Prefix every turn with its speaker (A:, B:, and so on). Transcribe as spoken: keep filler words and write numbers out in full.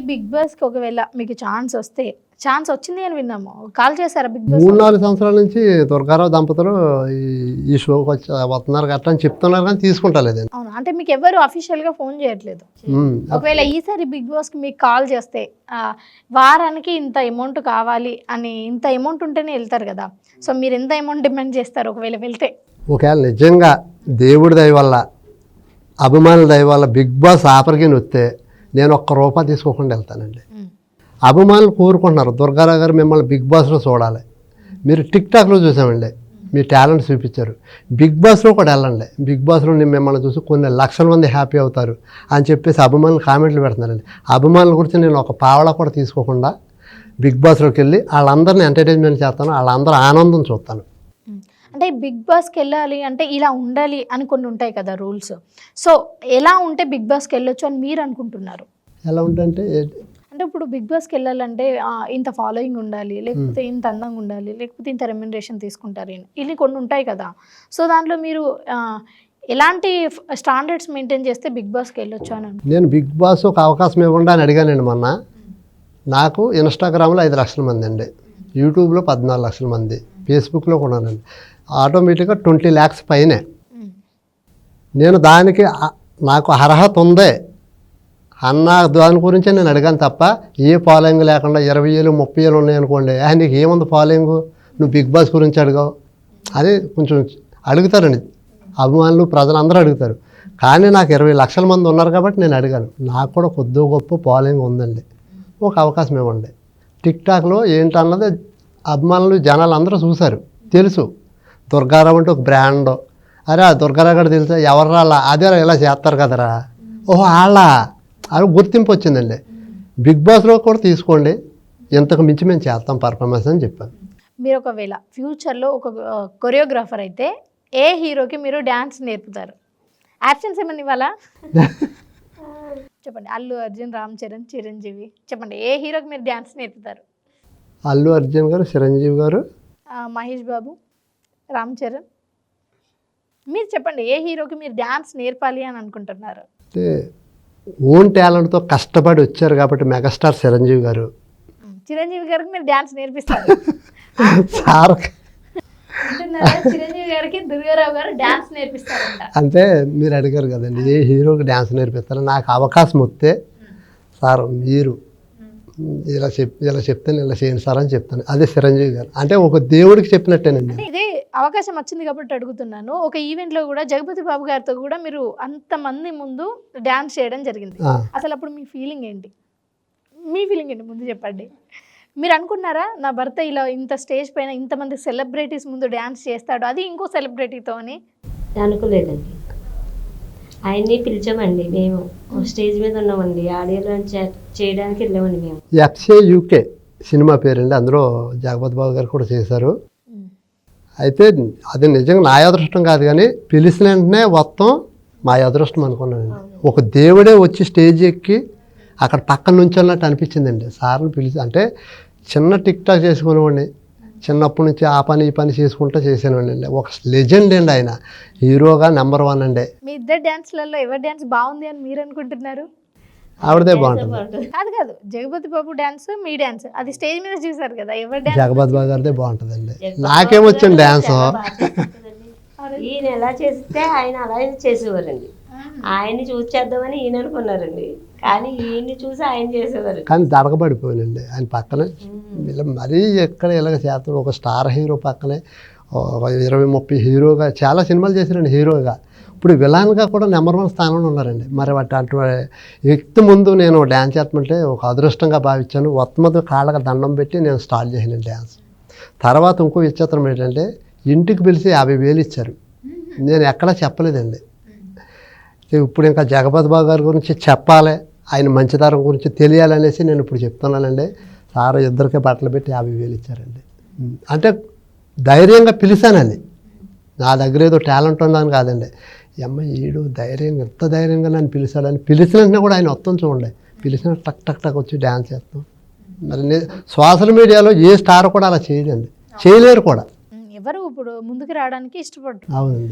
A: Big బాస్కి ఒకవేళ మీకు ఛాన్స్ వస్తే, ఛాన్స్ వచ్చింది అని విన్నాము, కాల్ చేశారా బిగ్ బాస్?
B: మూడు నాలుగు సంవత్సరాల నుంచి దుర్గారావు దంపతులు ఈ ఈ షోకి వచ్చి వస్తున్నారు గట్రా అని చెప్తున్నారు కానీ తీసుకుంటలేదండి.
A: అవును, అంటే మీకు ఎవరు అఫీషియల్ గా ఫోన్ చేయట్లేదు. ఒకవేళ ఈసారి బిగ్ బాస్ కి మీకు కాల్ చేస్తే వారానికి ఇంత అమౌంట్ కావాలి అని, ఇంత అమౌంట్ ఉంటేనే వెళ్తారు కదా, సో మీరు ఎంత అమౌంట్ డిమాండ్ చేస్తారు ఒకవేళ వెళ్తే?
B: ఒకవేళ నిజంగా దేవుడి దయ వల్ల, అభిమానుల దయ వల్ల బిగ్ బాస్ ఆఫర్కి వస్తే నేను ఒక్క రూపాయి తీసుకోకుండా వెళ్తానండి. అభిమానులు కోరుకుంటున్నారు దుర్గారావు గారు మిమ్మల్ని బిగ్ బాస్లో చూడాలి, మీరు టిక్ టాక్లో చూసామండి, మీ టాలెంట్ చూపించారు, బిగ్ బాస్లో కూడా వెళ్ళండి, బిగ్ బాస్లో నేను మిమ్మల్ని చూసి కొన్ని లక్షల మంది హ్యాపీ అవుతారు అని చెప్పేసి అభిమానులు కామెంట్లు పెడుతున్నారండి. అభిమానుల గురించి నేను ఒక పావలా కూడా తీసుకోకుండా బిగ్ బాస్లోకి వెళ్ళి వాళ్ళందరినీ ఎంటర్టైన్మెంట్ చేస్తాను, వాళ్ళందరూ ఆనందం చూస్తాను.
A: అంటే బిగ్ బాస్కి వెళ్ళాలి అంటే ఇలా ఉండాలి అని కొన్ని ఉంటాయి కదా రూల్స్, సో ఎలా ఉంటే బిగ్ బాస్కి వెళ్ళొచ్చు అని మీరు అనుకుంటున్నారు?
B: ఎలా ఉంటే
A: అంటే ఇప్పుడు బిగ్ బాస్కి వెళ్ళాలంటే ఇంత ఫాలోయింగ్ ఉండాలి, లేకపోతే ఇంత అందంగా ఉండాలి, లేకపోతే ఇంత రెమ్యునరేషన్ తీసుకుంటారు, ఇన్ని కొన్ని ఉంటాయి కదా, సో దాంట్లో మీరు ఎలాంటి స్టాండర్డ్స్ మెయింటైన్ చేస్తే బిగ్ బాస్కి వెళ్ళొచ్చు అని?
B: నేను బిగ్ బాస్ ఒక అవకాశం ఇవ్వండి అని అడిగానండి మొన్న. నాకు ఇన్స్టాగ్రామ్లో ఐదు లక్షల మంది అండి, యూట్యూబ్లో పద్నాలుగు లక్షల మంది, ఫేస్బుక్లో కూడానండి, ఆటోమేటిక్గా ట్వంటీ ల్యాక్స్ పైనే. నేను దానికి నాకు అర్హత ఉందే అన్న దాని గురించే నేను అడిగాను తప్ప ఏ ఫాలోయింగ్ లేకుండా ఇరవై ఏళ్ళు ముప్పై ఏళ్ళు ఉన్నాయనుకోండి, నీకు ఏముంది ఫాలోయింగ్, నువ్వు బిగ్ బాస్ గురించి అడిగావు అది కొంచెం అడుగుతారండి అభిమానులు, ప్రజలందరూ అడుగుతారు. కానీ నాకు ఇరవై లక్షల మంది ఉన్నారు కాబట్టి నేను అడిగాను, నాకు కూడా కొద్ది గొప్ప ఫాలోయింగ్ ఉందండి, ఒక అవకాశం ఇవ్వండి. టిక్ టాక్లో ఏంటన్నది అభిమానులు జనాలు అందరూ చూశారు, తెలుసు దుర్గారావు అంటే ఒక బ్రాండ్, అరే ఆ దుర్గారావు గారు తెలుసా, ఎవరు రాలా, అదే ఇలా చేస్తారు కదరా, ఓహో వాళ్ళ అది గుర్తింపు వచ్చిందండి. బిగ్ బాస్లో కూడా తీసుకోండి, ఇంతకు మించి మేము చేస్తాం పర్ఫార్మెన్స్ అని చెప్పాను.
A: మీరు ఒకవేళ ఫ్యూచర్లో ఒక కొరియోగ్రాఫర్ అయితే ఏ హీరోకి మీరు డ్యాన్స్ నేర్పుతారు? యాబ్సెన్స్ ఏమన్నా ఇవ్వాలా? చెప్పండి. అల్లు అర్జున్, రామ్ చరణ్, చిరంజీవి, చెప్పండి ఏ హీరోకి మీరు డ్యాన్స్ నేర్పుతారు?
B: అల్లు అర్జున్ గారు, చిరంజీవి గారు,
A: మహేష్ బాబు, రామ్ చరణ్, మీరు చెప్పండి ఏ హీరోకి మీరు డ్యాన్స్ నేర్పాలి అని అనుకుంటున్నారు?
B: అంటే ఓన్ టాలెంట్తో కష్టపడి వచ్చారు కాబట్టి మెగాస్టార్ చిరంజీవి గారు.
A: చిరంజీవి గారికి మీరు డ్యాన్స్ నేర్పిస్తారు?
B: సార్
A: చిరంజీవి గారికి దుర్గారావు గారు డ్యాన్స్ నేర్పిస్తారంట.
B: అంటే మీరు అడిగారు కదండి ఏ హీరోకి డ్యాన్స్ నేర్పిస్తారు, నాకు అవకాశం వస్తే సార్ మీరు ఇలా చెప్ ఇలా చెప్తాను ఇలా చేయండి సార్ అని చెప్తాను, అదే చిరంజీవి గారు. అంటే ఒక దేవుడికి చెప్పినట్టేనండి.
A: ఇదే అవకాశం వచ్చింది కాబట్టి అడుగుతున్నాను. ఒక ఈవెంట్లో కూడా జగపతి బాబు గారితో కూడా మీరు అంతమంది ముందు డ్యాన్స్ చేయడం జరిగింది, అసలు అప్పుడు మీ ఫీలింగ్ ఏంటి? మీ ఫీలింగ్ ఏంటి ముందు చెప్పండి. మీరు అనుకున్నారా నా భర్త ఇలా ఇంత స్టేజ్ పైన ఇంతమంది సెలబ్రిటీస్ ముందు డ్యాన్స్ చేస్తాడు, అది ఇంకో సెలబ్రిటీతో అని?
C: అనుకోలేదండి. ఆయన్ని పిలిచామండి, మేము స్టేజ్ మీద ఉన్నామండి, ఆడియో లాంచ్ చేయడానికి వెళ్ళామండి మేము.
B: ఎఫ్సే యూకే సినిమా పేరండి, అందులో జగపతి బాబు గారు కూడా చేశారు. అయితే అది నిజంగా నా అదృష్టం కాదు కానీ పిలిచిన వెంటనే మొత్తం మా అదృష్టం అనుకున్నానండి. ఒక దేవుడే వచ్చి స్టేజ్ ఎక్కి అక్కడ పక్కన నుంచి అన్నట్టు అనిపించిందండి. సార్ని పిలిచి అంటే చిన్న టిక్ టాక్ చేసుకునేవాడిని, చిన్నప్పటి నుంచి ఆ పని ఈ పని చేసుకుంటూ చేసేవాడిని అండి. ఒక లెజెండ్ అండి ఆయన, హీరోగా నెంబర్ వన్ అండి.
A: మీ ఇద్దరు డ్యాన్స్లలో ఎవరి డ్యాన్స్ బాగుంది అని మీరు అనుకుంటున్నారు?
B: ఆవిడదే బాగుంటుంది.
A: కాదు కాదు జగపతి బాబు డ్యాన్స్, మీ డ్యాన్స్ అది స్టేజ్ మీద చూసారు కదా, ఎవరి డ్యాన్స్?
B: జగపతి బాబు గారిదే బాగుంటుందండి. నాకేమొచ్చింది డ్యాన్స్.
C: ఈయన ఎలా చేస్తే ఆయన అలాగే చేసేవారండి, ఆయన్ని చూసి చేద్దామని ఈయన అనుకున్నారండి, కానీ ఈయన్ని చూసి ఆయన చేసేవారు.
B: కానీ దడకబడిపోయానండి ఆయన పక్కనే, ఇలా మరీ ఎక్కడ ఇలాగ చేస్తాడు, ఒక స్టార్ హీరో పక్కనే ఇరవై ముప్పై హీరోగా చాలా సినిమాలు చేశారండి హీరోగా, ఇప్పుడు విలాన్గా కూడా నెంబర్ వన్ స్థానంలో ఉన్నారండి. మరి వాటి అటువంటి వ్యక్తి ముందు నేను డ్యాన్స్ చేస్తామంటే ఒక అదృష్టంగా భావించాను. మొత్తం కాళ్ళకి దండం పెట్టి నేను స్టార్ట్ చేసాను డ్యాన్స్. తర్వాత ఇంకో విచిత్రం ఏంటంటే ఇంటికి పిలిచి యాభై వేలు ఇచ్చారు, నేను ఎక్కడా చెప్పలేదండి. ఇప్పుడు ఇంకా జగపతి బాబు గారి గురించి చెప్పాలి, ఆయన మంచితనం గురించి తెలియాలనేసి నేను ఇప్పుడు చెప్తున్నానండి. సార్ ఇద్దరికే బట్టలు పెట్టి యాభై వేలు ఇచ్చారండి. అంటే ధైర్యంగా పిలిచానండి, నా దగ్గర ఏదో టాలెంట్ ఉందని కాదండి, అమ్మ ఈడు ధైర్యంగా ఎంత ధైర్యంగా నన్ను పిలిచాడని. పిలిచినట్టునే కూడా ఆయన వస్తాం చూడండి, పిలిచిన టక్ టక్ టక్ వచ్చి డ్యాన్స్ చేస్తాం. మరి సోషల్ మీడియాలో ఏ స్టార్ కూడా అలా చేయలేండి, చేయలేరు కూడా.
A: ఎవరు ఇప్పుడు ముందుకు రావడానికి ఇష్టపడరు.
B: అవునండి.